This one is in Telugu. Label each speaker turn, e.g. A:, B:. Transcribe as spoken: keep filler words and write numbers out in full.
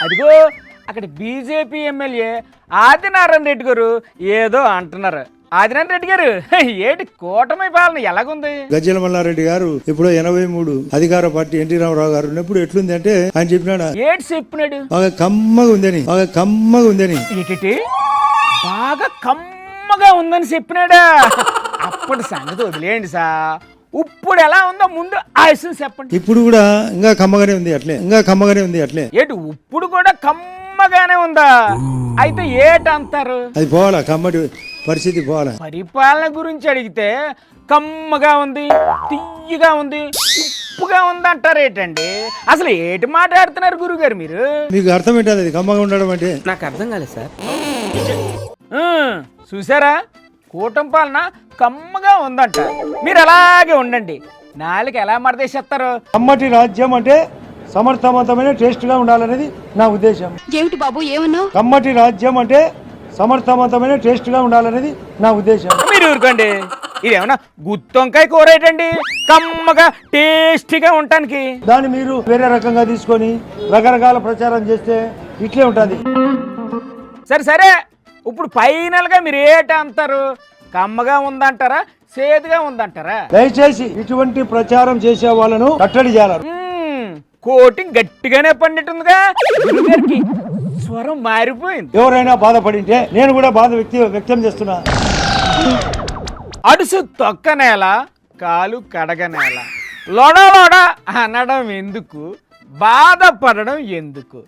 A: అదిగో అక్కడ బీజేపీ ఎమ్మెల్యే ఆదినారాయణ రెడ్డి గారు ఏదో అంటున్నారు. ఆదినారాయణ రెడ్డి గారు ఏటి కూటమి పాలన ఎలాగుంది?
B: గజ్జల మల్లారెడ్డి గారు ఇప్పుడు ఎనభై మూడు అధికార పార్టీ ఎన్టీ రామారావు గారు ఉన్నప్పుడు ఎట్లుంది అంటే ఆయన చెప్పినాడు,
A: ఏటి చెప్పినాడు?
B: బాగా కమ్మగా ఉందని, బాగా కమ్మగా ఉందని.
A: ఏటి బాగా కమ్మగా ఉందని చెప్పినాడా? అప్పటి సంగతి వదిలేయండి సా, ఇప్పుడు ఎలా ఉందో ముందు ఆయుష్ చెప్పండి.
B: ఇప్పుడు కూడా ఇంకా కమ్మగానే ఉంది అట్లే, ఇంకా కమ్మగానే ఉంది అట్లే.
A: ఏటి ఇప్పుడు కూడా కమ్మగానే ఉందా? అయితే ఏటంటారు?
B: అది పోవాలా, కమ్మటి పరిస్థితి పోవాలా.
A: పరిపాలన గురించి అడిగితే కమ్మగా ఉంది, తియ్యగా ఉంది, ఉప్పుగా ఉంది అంటారు ఏంటండి? అసలు ఏటి మాట్లాడుతున్నారు గురుగారు మీరు?
B: మీకు అర్థం ఏంటది అది కమ్మగా ఉండడం అంటే?
C: నాకు అర్థం కాలేదు సార్.
A: చూసారా, కూటమి పాలన కమ్మగా ఉందంట. మీరు అలాగే ఉండండి, నాలుగు ఎలా మడతేసేస్తారు.
B: కమ్మటి రాజ్యం అంటే సమర్థవంతమైన టేస్ట్ గా ఉండాలనేది నా ఉద్దేశం.
D: ఏమిటి బాబు ఏమన్నావు?
B: కమ్మటి రాజ్యం అంటే సమర్థవంతమైన టేస్ట్ గా ఉండాలనేది నా ఉద్దేశం.
A: మీరు ఊరుకోండి, ఇదేమన్నా గుత్తొంకాయ కూర ఏంటండి కమ్మగా టేస్టీగా ఉండటానికి?
B: దాన్ని మీరు వేరే రకంగా తీసుకొని రకరకాల ప్రచారం చేస్తే ఇట్లే ఉంటుంది.
A: సరే సరే, ఇప్పుడు ఫైనల్ గా మీరు ఏట అంటారు? కమ్మగా ఉందంటారా, సేదుగా ఉందంటారా?
B: దయచేసి ఇటువంటి ప్రచారం చేసే వాళ్ళను కట్టడి చేయాలి.
A: కోటింగ్ గట్టిగానే పండిట్టుందిగా, గురుగారికి స్వరం మారిపోయింది.
B: ఎవరైనా బాధపడింటే నేను కూడా బాధ వ్యక్తి వ్యక్తం చేస్తున్నా.
A: అడుసు తొక్క నేల, కాలు కడగ నేల, లోడ లోడ అనడం ఎందుకు, బాధపడడం ఎందుకు?